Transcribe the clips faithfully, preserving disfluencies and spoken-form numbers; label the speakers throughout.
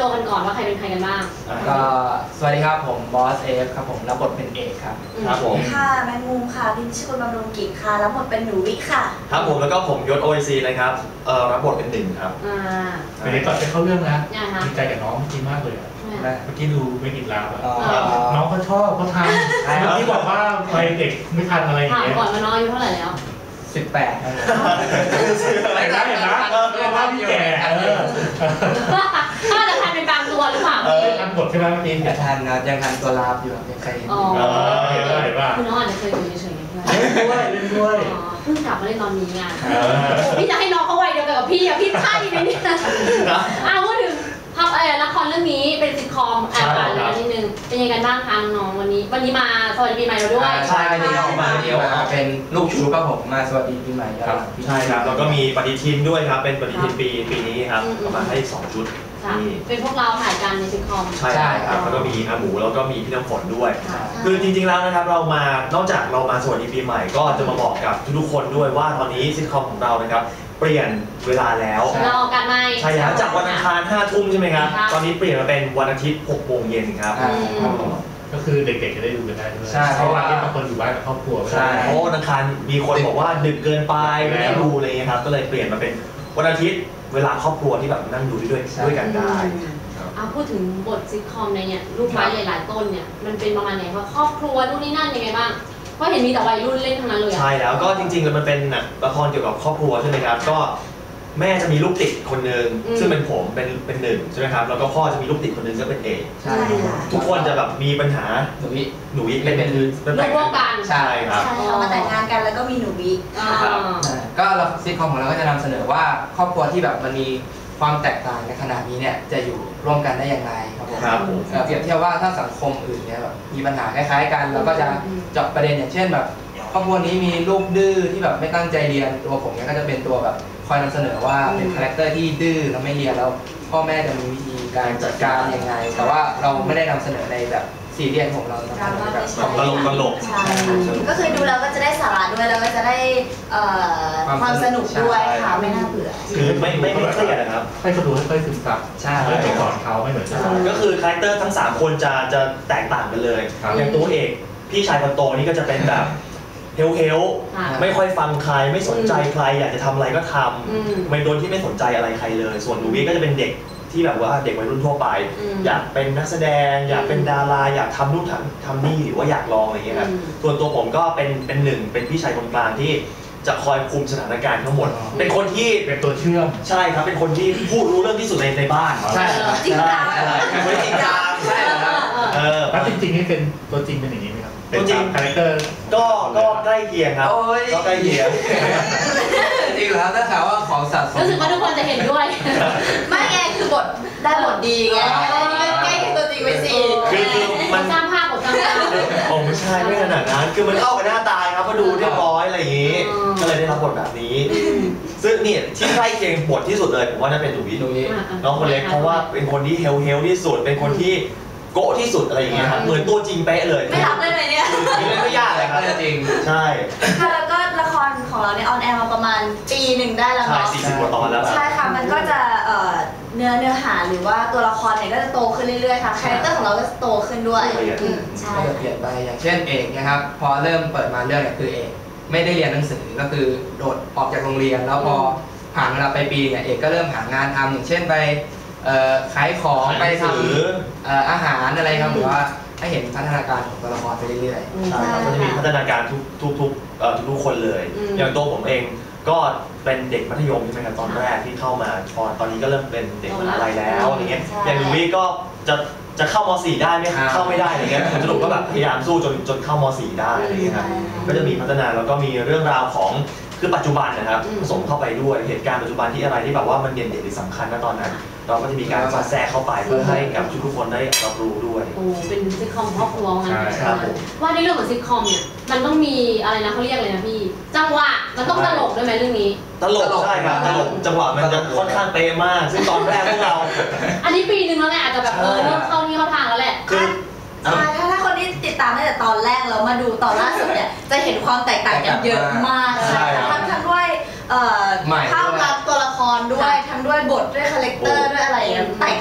Speaker 1: ตัวกันก่อนว่าใครเป็นใครกันบ้าง
Speaker 2: ก็สวัสดีครับผมบอสเอฟครับผมรับบทเป็นเอกครับ
Speaker 3: ครับผม
Speaker 4: ค่ะแมงมุมค่ะพิมพ์ชื่อบำรุงกิจค่ะรับบทเป็นหนูวิค่ะ
Speaker 3: ครับผมแล้วก็ผมยศ โอ เอ ซี นะครับเอ่อรับบทเป็นหนึ่งครับ
Speaker 1: อ่า
Speaker 5: เดี๋ยวก่อนจะเข้าเรื่องนะดีใจกับน้องจริงมากเลยเมื่อกี้ดูไม่ติดลาบอ่ะน้องเขาชอบเขาทำที่บอกว่าไปเด็กไม่ทันอะไรอย่างเงี้ย
Speaker 1: ถามก่อนว่าน้องอายุเท่าไหร่แล้ว
Speaker 2: สิบแปดครับ
Speaker 5: อะไรนะเห็นไหมเรียกว่าพี่แก่
Speaker 1: ก็จะทันเป็นบางตัวหรือเปล่า
Speaker 5: ทันบทใช่ไหมเมื่อกี้
Speaker 2: ยังทันนะยังทันตัวลาบอยู่ยังใครเห็น
Speaker 5: เห็นได้ป่ะ
Speaker 1: คุณน้องอาจจะเคยอยู่เฉยๆ
Speaker 5: เล่นด้วยเล่นด้วย
Speaker 1: เพิ่งกลับมาเล่นตอนนี้ไงพี่จะให้น้องเขาวัยเดียวกันกับพี่อะพี่ใช่ไหมเนี่ยอ้าวพูดถึงภาพเออละครเรื่องนี้เป็นซิทคอมอ่านผ่านแล้วนิดนึงเป็นยังไงกันบ้างคะน้องวันนี้วันนี้มาสวัสดีปีใหม่เราด้วย
Speaker 2: ใช่วันนี้เรามาเดียวเป็นลูกชูครับผมมาสวัสดีปีใหม่ครับ
Speaker 3: ใช่ครับแล้วก็มีปฏิทินด้วยครับเป็นปฏิทินปีปีนี้ครับประมาณให้สองชุด
Speaker 1: นี่เป็นพวกเราถ่ายกันในซิทคอม
Speaker 3: ใช่ครับแล้วก็มีอาหมูแล้วก็มีพี่น้ำฝนด้วยคือจริงๆแล้วนะครับเรามานอกจากเรามาสวัสดีปีใหม่ก็จะมาบอกกับทุกคนด้วยว่าตอนนี้ซิทคอมของเรานะครับเปลี่ยนเวลาแล้ว
Speaker 1: รอกันไหม
Speaker 3: ใช่แล้วจากวันอังคารห้าทุ่มใช่ไหมครับตอนนี้เปลี่ยนมาเป็นวันอาทิตย์หกโมงเย็นครับ
Speaker 5: ก็คือเด็กๆจะได้ดูกันได้ด้วยเพราะว่าที่บางคนอยู่บ้านกับครอบครัว
Speaker 3: ใช่เพราะวันอังคารมีคนบอกว่าดึกเกินไปไม่ได้ดูอะไรเงี้ยครับก็เลยเปลี่ยนมาเป็นวันอาทิตย์เวลาครอบครัวที่แบบนั่งดูด้วยด้วยกันได้
Speaker 1: เอาพูดถึงบทซิทคอมในเนี่ยลูกไม้หลายๆต้นเนี่ยมันเป็นประมาณไหนว่าครอบครัวนู่นนี่นั่นยังไงบ้างเพราะเห็นมีแต่วัยรุ่นเล่นทั้งนั้นเลย
Speaker 3: ใช่แล้วก็จริงๆแล้วมันเป็นละครเกี่ยวกับครอบครัวใช่ไหมครับก็แม่จะมีลูกติดคนหนึ่งซึ่งเป็นผมเป็นเป็นหนึ่งใช่ไหมครับแล้วก็พ่อจะมีลูกติดคนหนึ่งก็เป็นเอก
Speaker 4: ใช่
Speaker 3: ทุกคนจะแบบมีปัญหา
Speaker 2: หนูวิ
Speaker 3: หนูวิเป็นเป็น
Speaker 1: เป็นลูกกัน
Speaker 3: ใช่ครับ
Speaker 4: เรามาแต่งงานกันแล้วก็มีหนูวิ
Speaker 2: ก็เราซิทคอมของเราก็จะนำเสนอว่าครอบครัวที่แบบมันมีความแตกต่างในขนาดนี้เนี่ยจะอยู่ร่วมกันได้อย่างไรครับผมเปรียบเทียบว่าถ้าสังคมอื่นเนี่ยแบบมีปัญหาคล้ายๆกันเราก็จะเจาะประเด็นอย่างเช่นแบบครอบครัวนี้มีลูกดื้อที่แบบไม่ตั้งใจเรียนตัวผมเนี่ยก็จะเป็นตัวแบบคอยนำเสนอว่าเป็นคาแรคเตอร์ที่ดื้อแล้วไม่เรียนแล้วพ่อแม่จะมีวิธีการจัดการยังไงแต่ว่าเราไม่ได้นำเสนอในแบบซีเรียสของเราแบบ
Speaker 3: ตลกตลก
Speaker 4: ก็คือดูแล้วก็จะได้สาระด้วยแล้วก็จะได้ความสนุกด้วยค่ะไม่น่าเบื่อ
Speaker 3: คือไม่ไม่ไม่เครียดนะครับ
Speaker 5: ให้เขาดูให้ค่อยซึมซับ
Speaker 2: ใช่
Speaker 5: ไปสอนเขาไม่เหมือนกัน
Speaker 3: ก็คือคาแรคเตอร์ทั้งสามคนจะจะแตกต่างกันเลยอย่างตัวเอกพี่ชายคนโตนี่ก็จะเป็นแบบเฮลเฮลไม่ค่อยฟังใครไม่สนใจใครอยากจะทำอะไรก็ทำไม่โดนที่ไม่สนใจอะไรใครเลยส่วนหนูวิก็จะเป็นเด็กที่แบบว่าเด็กวัยรุ่นทั่วไปอยากเป็นนักแสดงอยากเป็นดาราอยากทำนู่นทำทำนี่หรือว่าอยากลองอะไรอย่างเงี้ยครับส่วนตัวผมก็เป็นเป็นหนึ่งเป็นพี่ชายคนกลางที่จะคอยคุมสถานการณ์ทั้งหมดเป็นคนที่
Speaker 5: เป็นตัวเชื่อม
Speaker 3: ใช่ครับเป็นคนที่พูดรู้เรื่องที่สุดในในบ้าน
Speaker 2: ใช่
Speaker 4: จริงจัง
Speaker 3: เป็นคนจริงจังใช่ครับ
Speaker 5: เออแล้วจริงๆนี่เป็นตัวจริงเป็นอย่างนี้ไหมครับ
Speaker 3: ตัวจริง
Speaker 5: คาแรคเตอร์
Speaker 3: ก็ก็ใกล้เคียงครับก็ใกล้เคียง
Speaker 2: จริงแล้วถ้าถามว่าของสัตว์
Speaker 1: รู้สึกว่าทุกคนจะเห็นด้วย
Speaker 4: ไม่ไงคือบทได้บทดีไงใกล้ตัวจริงไปสิ
Speaker 3: คือคือ
Speaker 1: มันสร้างภาพบทสร้างภาพ
Speaker 3: ผมไม่ใช่ไม่ขนาดนั้นคือมันเข้ากับหน้าตาครับก็ดูเรียบร้อยอะไรอย่างนี้ก็เลยได้รับบทแบบนี้ซึ่งนี่ที่ใกล้เคียงบทที่สุดเลยผมว่าน่าเป็นหนูวิน้องคนเล็กเพราะว่าเป็นคนที่เฮลเฮลที่สุดเป็นคนที่โก้ที่สุดอะไรอย่างเงี้ยครับเหมือนตัวจริงเป๊ะเลย
Speaker 4: ไม่รับได้ไหมเนี่ย
Speaker 3: เล่นไม่ยากเลยครับ
Speaker 2: จริง
Speaker 3: ใช่
Speaker 4: ค่ะแล้วก็ละครของเราเนี่ยออนแอร์มาประมาณปีหนึ่งได้แล้วเนาะ
Speaker 3: ใช่สี่สิบกว่าตอนแล้ว
Speaker 4: ใช่ค่ะมันก็จะเนื้อเนื้อหาหรือว่าตัวละครเนี่ยก็จะโตขึ้นเรื่อยๆค่ะคาแรคเตอร์ของเราก็จะโตขึ้นด้วย
Speaker 2: ใช่เปลี่ยนไปอย่างเช่นเอกนะครับพอเริ่มเปิดมาเรื่องเนี่ยคือเอกไม่ได้เรียนหนังสือก็คือโดดออกจากโรงเรียนแล้วพอผ่านเวลาไปปีเนี่ยเอกก็เริ่มหางานทำอย่างเช่นไปขายของไปทำอาหารอะไรครับหรือว่าให้เห็นพัฒนาการของตัวละครไปเรื่อย
Speaker 3: ๆใช่ครับก็จะมีพัฒนาการทุกทุกทุกทุกคนเลยอย่างตัวผมเองก็เป็นเด็กมัธยมใช่ไหมครับตอนแรกที่เข้ามาตอนตอนนี้ก็เริ่มเป็นเด็กมหาลัยแล้วอย่างเงี้ยอย่างนูวี่ก็จะจะเข้าม .สี่ ได้ไหมเข้าไม่ได้อะไรเงี้ยผมสรุปก็แบบพยายามสู้จนจนเข้าม .สี่ ได้อะไรเงี้ยครับก็จะมีพัฒนาแล้วก็มีเรื่องราวของคือปัจจุบันนะครับผสมเข้าไปด้วยเหตุการณ์ปัจจุบันที่อะไรที่แบบว่ามันเด่นเด่นหรือสำคัญนะตอนนั้นเราก็จะมีการสอดแทรกเข้าไปเพื่อให้กับทุกคนได้รับรู้ด้วย
Speaker 1: โอ้เป็นซิทคอมครอบครัวงั้นว่าในเรื่องของซิทคอมเนี่ยมันต้องมีอะไรนะเขาเรียกอะไรนะพี่จังหวะมันต้องตลกด้วยไหมเรื่องนี้
Speaker 3: ตลกใช่ครับตลกจังหวะมันจะค่อนข้างเป๊ะมากซึ่งตอนแรกพวกเรา
Speaker 1: อันนี้ปีหนึ่งแล้วแหละอาจจะแบบเออเริ่มเข้านี่เข้าทางแล้วแหละ
Speaker 3: คือ
Speaker 4: ใช่ถ้าถ้าคนที่ติดตามตั้งแต่ตอนแรกแล้วมาดูตอนล่าสุดเนี่ยจะเห็นความแตกต่างกันเยอะมากใช่ทั้งทั้งด้วยภาพลักษณ์ตัวละครด้วยทั้งด้วยบทด้วยคาแรคเตอร์ด้วยอะไรแตกต่างกัน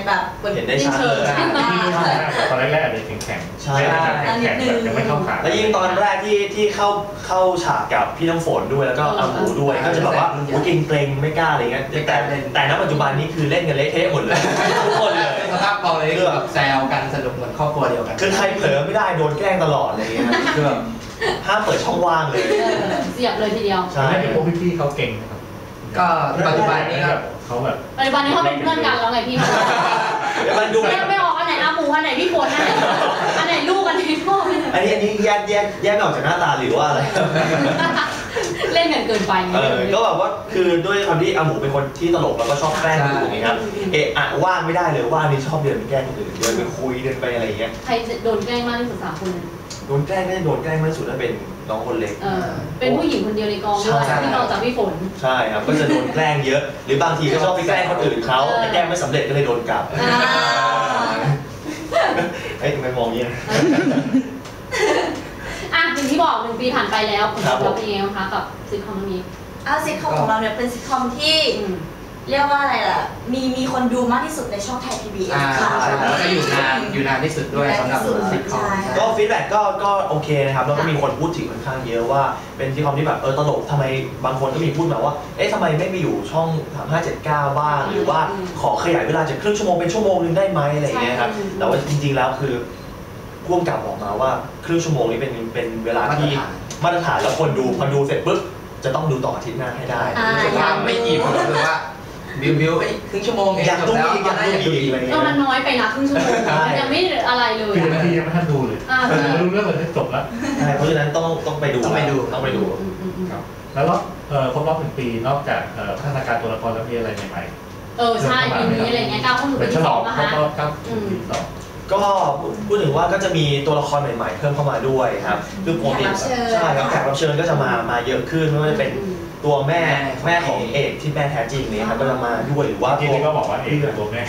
Speaker 4: แบบ
Speaker 3: เห็นได้ชัดเลย
Speaker 5: ตอนแรกๆอาจจะแข็งๆ
Speaker 3: ใช่
Speaker 5: แข็งๆแบบยังไม่เข้าขา
Speaker 3: แล้วยิ่งตอนแรกที่ที่เข้าเข้าฉากกับพี่น้ำฝนด้วยแล้วก็อาหมูด้วยก็จะแบบว่าเกรงเกรงไม่กล้าอะไรเงี้ยแต่แต่ณปัจจุบันนี้คือเล่นกันเละเทะหมดเลยทุกคนเลย
Speaker 2: สภาพกองเลยคือแบบแซวกันสนุกเหมือนครอบครัวเดียวกัน
Speaker 3: คือใครเผลอไม่ได้โดนแกล้งตลอดอะไรเงี้ยคือแบบห้ามเปิดช่องว่างเลย
Speaker 1: เสียบเลยทีเดียว
Speaker 3: ใช่
Speaker 5: พวกพี่ๆเขาเก่งนะครับ
Speaker 2: ก็ปัจจุบันนี้ครับ
Speaker 5: เขาแบบ
Speaker 1: ปัจจุบันนี้เขาเป็นเพื่อนกันแล้วไงพี่
Speaker 3: มันดู
Speaker 1: ไม่ไม่ออกอันไหนอาหมูอันไหนพี่ฝนอันไหนอันไหนลูกอันไหนพ่อ
Speaker 3: อันนี้อันนี้แยกแยกแยกออกจากหน้าตาหรือว่าอะไร
Speaker 1: เล่นกันเกินไปไง
Speaker 3: เออก็แบบว่าคือด้วยความที่อาหมูเป็นคนที่ตลกแล้วก็ชอบแกล้งคนอื่นนะครับเอะอะว่างไม่ได้เลยว่างนี่ชอบเดินไปแกล้งคนอื่นเดินไปคุยเดินไปอะไรอย่างเงี้ย
Speaker 1: ใครโดนแกล้งมากที่สุดสามคน
Speaker 3: โดนแกล้งไม่ได้โดนแกล้งมากที่สุดถ้าเป็นน้องคนเล็ก
Speaker 1: เออเป็นผู้หญิงคนเดียวในกองด้วยที่นอกจากพี่ฝน
Speaker 3: ใช่ครับก็จะโดนแกล้งเยอะหรือบางทีก็ชอบไปแกล้งคนอื่นเขาแต่แกล้งไม่สำเร็จก็เลยโดนกลับเฮ้ยทำไมมองอย่างนี้
Speaker 1: อ่ะอย่างที่บอกหนึ่งปีผ่านไปแล้วผลตอบรับเป็นยังไงบ้างคะกับซิทคอมนี้
Speaker 4: อ้าวซิทคอมของเราเนี่ยเป็นซิทคอมที่เรียกว่าอะไรล่ะมีมีคนดูมากที่สุดในช่องไทย พี บี เอส ค่ะ
Speaker 2: แล้วก็อยู่นานอยู่นานที่สุดด้วยสำหรับซิทคอม
Speaker 3: ก็ฟีดแบ็กก็ก็โอเคนะครับแล้วก็มีคนพูดถึงค่อนข้างเยอะว่าเป็นซิทคอมที่แบบเออตลกทำไมบางคนก็มีพูดมาว่าเอ๊ะทำไมไม่ไปอยู่ช่องสามห้าเจ็ดเก้าบ้างหรือว่าขอขยายเวลาจากครึ่งชั่วโมงเป็นชั่วโมงนึงได้ไหมอะไรอย่างเงี้ยครับแต่ว่าจริงๆแล้วคือพ่วงกับบอกมาว่าครึ่งชั่วโมงนี้เป็นเป็นเวลาที่มาตรฐานแล้วคนดูพอดูเสร็จปุ๊บจะต้องดูต่ออาทิตย์หน้าให้ได้
Speaker 2: รู้สึกว่าไม่อิ่มหรือว่าบิวบิวไอ้ครึ่งชั่วโมงเองจบแล้ว
Speaker 3: อยากดูอีกอะไรเงี้ย
Speaker 1: ก็มันน้อยไปนะครึ่งชั่วโมงยังไม่อะไรเลย
Speaker 5: คือนาทียังไม่ทันดูเลยไม่รู้เรื่องเลยจบแล้ว
Speaker 3: เพราะฉะนั้นต้องต้องไปดู
Speaker 2: ต้องไปดู
Speaker 3: ต้องไปดู
Speaker 5: ครับแล้วครบรอบหนึ่งปีนอกจากพัฒนาการตัวละครแล้วมีอะไรใหม่
Speaker 1: ๆเออใช่ปีนี้อะไรเงี้ยก้าวเข้าสู่ปีที่สองนะคะ
Speaker 5: ก้าวสู่ปีที่สอง
Speaker 3: ก็พูดถึงว่าก็จะมีตัวละครใหม่ๆเพิ่มเข้ามาด้วยครับคือปกติใช่ครับแขกรับเชิญก็จะมามาเยอะขึ้นไม่ว่าจะเป็นตัวแม่แม่ของเอกที่แม่แท้จริงนี้ครับก็จะมาด้วยหรือว่า
Speaker 5: ที่นี่ก็บอกว่าเอกเป็นตัวแม่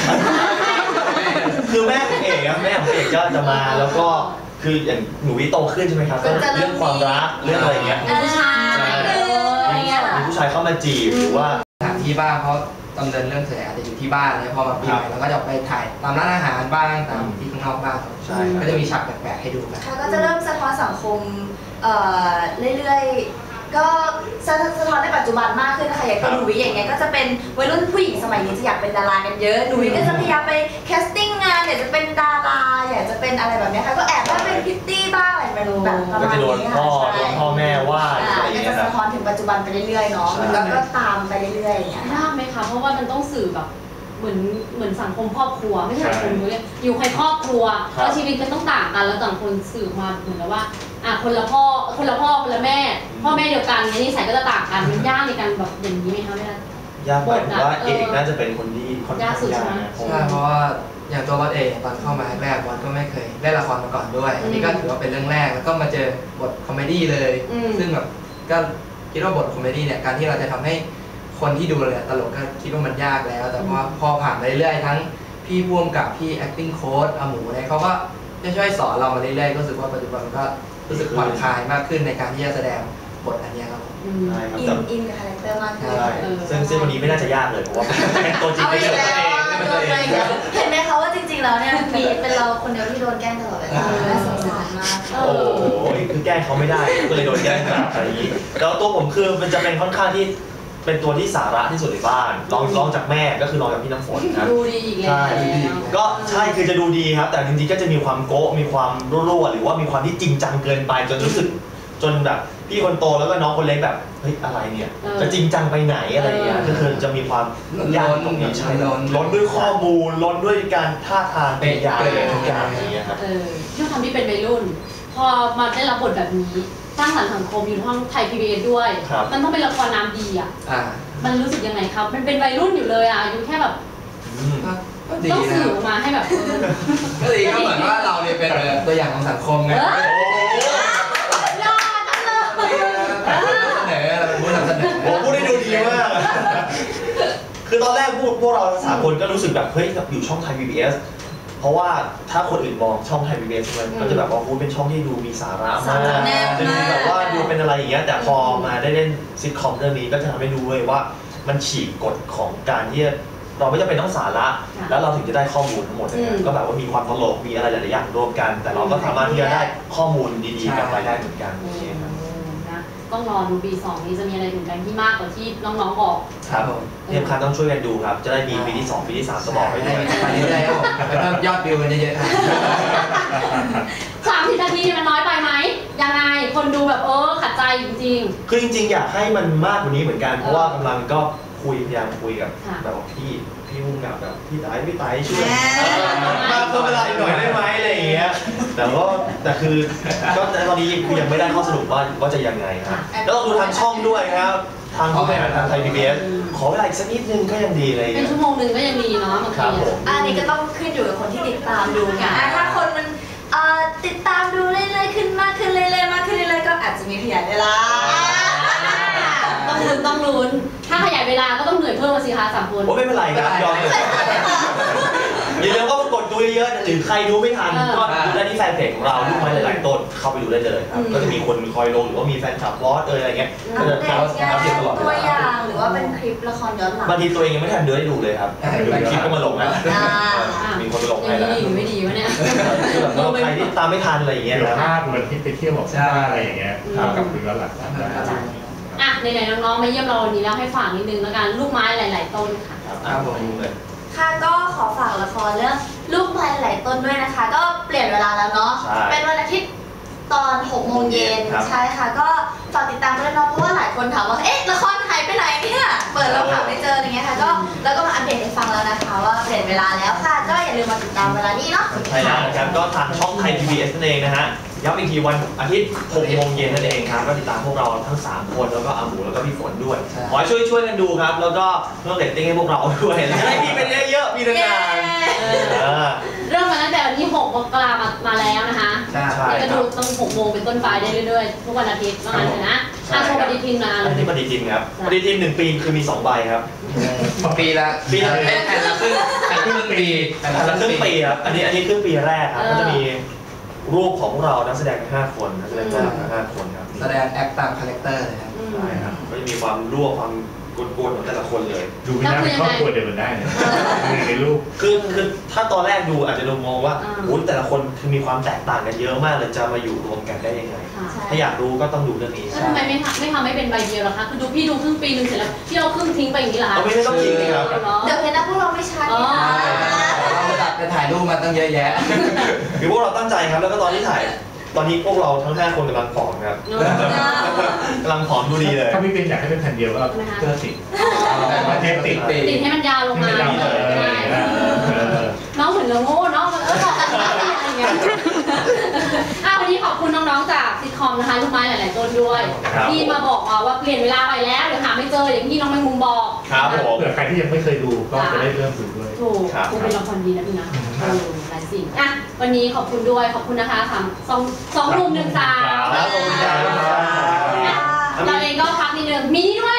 Speaker 3: คือแม่ของเอกแม่ของเอกก็จะมาแล้วก็คืออย่างหนูวิโตขึ้นใช่ไหมครับเรื่องความรักเรื่องอะไรเงี้ย
Speaker 1: ผู้ชาย
Speaker 3: มีผู้ชายเข้ามาจีบหรือว่า
Speaker 2: สถานที่บ้างเพราะดำเนินเรื่องเสร็จอาจจะอยู่ที่บ้านเลยพอมาปีใหม่เราก็จะไปถ่ายตามร้านอาหารบ้างตามที่ข้างนอกบ้างใช่ก็จะมีฉากแปลกๆให้ดูกัน
Speaker 4: ก็จะเริ่มสะท้อนสังคมเรื่อยๆก็สะท้อนในปัจจุบันมากขึ้นนะคะอย่างหนูวิอย่างเงี้ยก็จะเป็นวัยรุ่นผู้หญิงสมัยนี้จะอยากเป็นดารากันเยอะหนูวิก็จะพยายามไปแคสติ้งงานอยากจะเป็นดาราอยากจะเป็นอะไรแบบนี้ค่ะก็แอบว่าเป็นพิตตี้บ้างอะไรแบบประมาณนี้ค่ะ
Speaker 3: ก็จะโดนพ่อโดนพ่อแม่ว่าอะไรอย่าง
Speaker 4: เงี้
Speaker 3: ย
Speaker 4: ก็จะสะท้อนถึงปัจจุบันไปเรื่อยๆเนาะแล้วก็ตามไปเรื่อยๆอย่างเงี้ย
Speaker 1: ยากไหมคะเพราะว่ามันต้องสื่อแบบเหมือนเหมือนสังคมครอบครัวไม่ใช่สังคมเลยอยู่ในครอบครัวแล้วชีวิตมันต้องต่างกันแล้วต่างคนสื่อมาเหมือนกับว่าอ่ะคนละพ่อคนละพ่อคนละแม่พ่อแม่เดียวกันเนี่ยนิสัยก็จะต่างกันมันยากในการแบบอย่างนี้ไหมคะแม่
Speaker 3: ยากหมายถึงว่าเอกน่าจะเป็นคนที่ค่อนข้างยาก
Speaker 2: ใช่เพราะว่าอย่างตัวบอสเองตอนเข้ามาแรกบอสก็ไม่เคยเล่นละครมาก่อนด้วยอันนี้ก็ถือว่าเป็นเรื่องแรกแล้วก็มาเจอบทคอมเมดี้เลยซึ่งแบบก็คิดว่าบทคอมเมดี้เนี่ยการที่เราจะทำให้คนที่ดูเลยตลกก็คิดว่ามันยากแล้วแต่พอพอผ่านไปเรื่อยๆทั้งพี่พ่วงกับพี่ acting coach อาหมูเนี่ยเขาก็จะช่วยสอนเรามาเรื่อยๆก็รู้สึกว่าปัจจุบันก็รู้สึกผ่อนคลายมากขึ้นในการที่จะแสดงบทอันนี้ครับ
Speaker 3: ใช่ครับ
Speaker 4: อินอินกับคาแรคเตอร์มากขึ้น
Speaker 3: ซึ่งซึ่งวันนี้ไม่น่าจะยากเลยเพราะว่าเป็นตัวจริง
Speaker 4: ไม่ใช่ตัวเองเห็นไหมคะว่าจริงๆแล้วเนี่ยมีเป็นเราคนเดียวที่โดนแกล้งตลอดเวลาน่าสงสารมาก
Speaker 3: โอ้โหคือแกล้งเขาไม่ได้ก็เลยโดนแกล้งแบบอะไรอย่างนี้แล้วตัวผมคือมันจะเป็นค่อนข้างที่เป็นตัวที่สาระที่สุดในบ้านลองลองจากแม่ก็คือลองจากพี่น้ำฝนครับ
Speaker 1: ดูดีอีกแล้ว
Speaker 3: ใช่ก็ใช่คือจะดูดีครับแต่จริงๆก็จะมีความโก๊ะมีความรั่วๆหรือว่ามีความที่จริงจังเกินไปจนรู้สึกจนแบบพี่คนโตแล้วก็น้องคนเล็กแบบเฮ้ยอะไรเนี่ยจะจริงจังไปไหนอะไรอย่างเงี้ยก็คือจะมีความยากตรงนี้ใช่ล้นด้วยข้อมูลล้นด้วยการท่าทางเป็นยาอะไรทุกอย่างอย่างเงี้ยครับ
Speaker 1: เออที่ทำที่เป็นวัยรุ่นพอมาได้รับบทแบบนี้สร้างสรรค์สังคมอยู่ห้องไทย พี บี เอส ด้วยมันต้องเป็นละครน้ำดีอ่ะมันรู้สึกยังไงครับมันเป็นวัยรุ่นอยู่เลยอ่ะอายุแค่แบบต้องสื่อมาให้แบบ
Speaker 2: ก็ดีก็เหมือนว่าเราเนี่ยเป็นตัวอย่างของสังคมไง
Speaker 1: ยอดจังเลย
Speaker 2: เสนอเราเป็นผู้นำเสนอ
Speaker 3: ผมพูดได้ดูดีมากคือตอนแรกพูดพวกเราสามคนก็รู้สึกแบบเฮ้ยอยู่ช่องไทย พี บี เอสเพราะว่าถ้าคนอื่นมองช่องไทย พี บี เอส มันก็จะแบบว่าพูดเป็นช่องที่ดูมีสาระมากจะดูแบบว่าดูเป็นอะไรอย่างเงี้ยแต่พอมาได้เล่นซิทคอมเรื่องนี้ก็จะทำให้ดูเลยว่ามันฉีกกฎของการที่เราไม่จำเป็นต้องสาระแล้วเราถึงจะได้ข้อมูลทั้งหมดเลยก็แบบว่ามีความตลกมีอะไรหลายๆอย่างรวมกัน แต่เราก็สามารถที่จะได้ข้อมูลดีๆกลับไปได้เหมือนกัน
Speaker 1: ต้องรอดูปีสองนี้จะมีอะไรเหมือนกันที่มากกว่าที่น้องๆบอก
Speaker 3: ครับที่สำคัญต้องช่วยกันดูครับจะได้มีปีที่สองปีที่สามจะบอกไปด้วย
Speaker 2: ไปเรื่อยๆครับผมเพิ่มยอดวิวกันเยอะ
Speaker 1: ๆสามสิบนาทีมันน้อยไปไหมยังไงคนดูแบบเออขัดใจจริง
Speaker 3: ๆคือจริงๆอยากให้มันมากกว่านี้เหมือนกันเพราะว่ากำลังก็คุยพยายามคุยกับแบบพี่พี่มุ่งกับแบบพี่ไต่พี่ไต่ช่วยมาเพิ่มเวลาอีกหน่อยได้ไหมอะไรอย่างเงี้ยแต่ก็แต่คือก็ตอนนี้คือยังไม่ได้ข้อสรุปว่าว่าจะยังไงครับแล้วต้องดูทางช่องด้วยครับทางผู้บริหารทางไทย พี บี เอส ขอเวลาอีกสักนิดนึงก็ยังดีเลย
Speaker 1: เป็นชั่วโมงนึงก็ยังดีเนาะบางที
Speaker 4: อันนี้ก็ต้องขึ้นอยู่กับคนที่ติดตามดูไงถ้าคนมันติดตามดูเรื่อยๆขึ้นมากขึ้นเรื่อยๆมากขึ้นเรื่อยๆก็อาจจะมีขยายเวลา
Speaker 1: ต้องลุ้นต้องลุ้นถ้าขยายเวลาก็ต้องเหนื่อยเพิ่มมาสิคะสามคน
Speaker 3: โอ้ไม่เป็นไรครับยอมเลยอย่าลืมว่ากดดูเยอะๆหรือใครดูไม่ทันก็ดูได้ที่แฟนเพจของเราลูกไม้หลายๆต้นเข้าไปดูได้เลยครับก็จะมีคนคอยลงหรือว่ามีแฟนคลับบอสอะไรเงี้ยก็จะอัปเดตตลอดเวลา
Speaker 4: ตัวอย่างหรือว่าเป็นคลิปละครย้อนหลัง
Speaker 3: บางทีตัวเองยังไม่ทันดูได้ดูเลยครับคลิปก็มาลงนะมีคนไปลงให้
Speaker 1: แล้วดีไม่ดีวะเนี่ย
Speaker 3: ใครที่ตามไม่ทันอะไรอย่างเงี้ยนะ
Speaker 5: ภาพเหมือนที่ไปเที่ยวบอกใช่อะไรอย่างเงี้ยทำกับย้อนหลัง
Speaker 1: อ่ะไหนๆน้องๆมาเยี่ยมเราวันนี้แล้วให้ฝากนิดนึงแล้วกันลูกไม้หลายๆต้นค่ะ
Speaker 3: ครับผม
Speaker 4: ค่ะก็ขอฝากละครเรื่องลูกไม้หลายต้นด้วยนะคะก็เปลี่ยนเวลาแล้วเนาะเป็นวันอาทิตย์ตอนหกโมงเย็นใช่ค่ะก็ฝากติดตามด้วยเนาะเพราะว่าหลายคนถามว่าเอ๊ะละครหายไปไหนเนี่ยเปิดแล้วหาไม่เจออย่างเงี้ยค่ะก็แล้วก็มาอัปเดตให้ฟังแล้วนะคะว่าเปลี่ยนเวลาแล้วค่ะก็อย่าลืมมาติดตามเวลานี้เนาะ
Speaker 3: ใช่แล้วนะครับก็ทางช่องไทย พี บี เอส นั่นเองนะฮะย้ำอีกทีวันอาทิตย์หกโมงเย็นนั่นเองครับก็ติดตามพวกเราทั้งสามคนแล้วก็อาหมูแล้วก็พี่ฝนด้วยขอช่วยช่วยกันดูครับแล้วก็เพิ่มเรตติ้งให้พวกเราด้วยจะได้มีเป็นเยอะๆมีนาน
Speaker 1: ๆเริ่มมาตั้งแต่วันที่หกมกราคมมาแล้วนะคะนี่ก็ดูต้องหกโมงเป็นต้นไปได้เรื่อยๆทุกวันอาทิตย์ว่างั้นเลยนะอ่ะโชว์ปฏิทินมา
Speaker 3: อันนี้ปฏิทินครับปฏิทินหนึ่งปีคือมีสองใบครับ
Speaker 2: ปีละ
Speaker 3: ปีละ
Speaker 2: แผ่นละครึ่งแผ่นครึ่งปี
Speaker 3: แผ่นละครึ่งปีครับอันนี้อันนี้ครึ่งปีแรกครับก็จะมีรูปของเรานักแสดงห้าคนนักแสดงทั้งห้าคนครับ
Speaker 2: แสดงแอคตามคาแรคเตอร์เลยครับ
Speaker 3: ใช่ครับก็จะมีความรั่วความกวนๆของแต่ละคนเลย
Speaker 5: ดูไม่ได้เป็นครอบครัวเดียวกันได้เนี่ยในรูป
Speaker 3: คือคือถ้าตอนแรกดูอาจจะดูมองว่าโอ้แต่ละคนคือมีความแตกต่างกันเยอะมากเลยจะมาอยู่รวมกันได้ยังไงถ้าอยากรู้ก็ต้องดูเรื่องนี้
Speaker 1: ทำไมไม่ทำไม่ทำไม่เป็นใบเดียวล่ะคะคือดูพี่ดูครึ่งปีนึงเสร็จแล้วพี่เอาครึ่งทิ้งไปอย่างนี้ล่ะ
Speaker 3: ไม่ไม่ต้องทิ้งเลยครับ
Speaker 4: เดี๋ยวเห็นนะพวกเราไม่ชัด
Speaker 2: เราจะถ่ายรูปมาตั้งเยอะแยะ
Speaker 3: คือพวกเราตั้งใจครับแล้วก็ตอนที่ถ่ายตอนนี้พวกเราทั้งห้าคนกำลังผอมครับกำลังผอมดูดีเลย
Speaker 5: ถ้าพี่เป็นอยากให้เป็นแผ่นเดียวก็เพื่อติด
Speaker 2: เทปติด
Speaker 1: ติดให้มันยาวลงมาน้องเหมือนเราโง่เนาะเออบอกกันอะไรอย่างเงี้ยอ่ะวันนี้ขอบคุณน้องๆจากซิทคอมนะคะลูกไม้หลายๆต้นด้วยที่มาบอกว่าเปลี่ยนเวลาไปแล้วเดี๋ยวหาไม่เจออย่างที่น้องแมงมุมบอก
Speaker 3: ครับผม
Speaker 5: เผื่อใครที่ยังไม่เคยดูก็จะได้เริ่มดูด้วย
Speaker 1: ถูกคุณเป็นละครดีนะพี่นะหลายสิ่งอ่ะวันนี้ขอบคุณด้วยขอบคุณนะคะสามสองสองหนุ่มหนึ่งสาวเราเองก็พักนิดนึงมีนี่ด้วย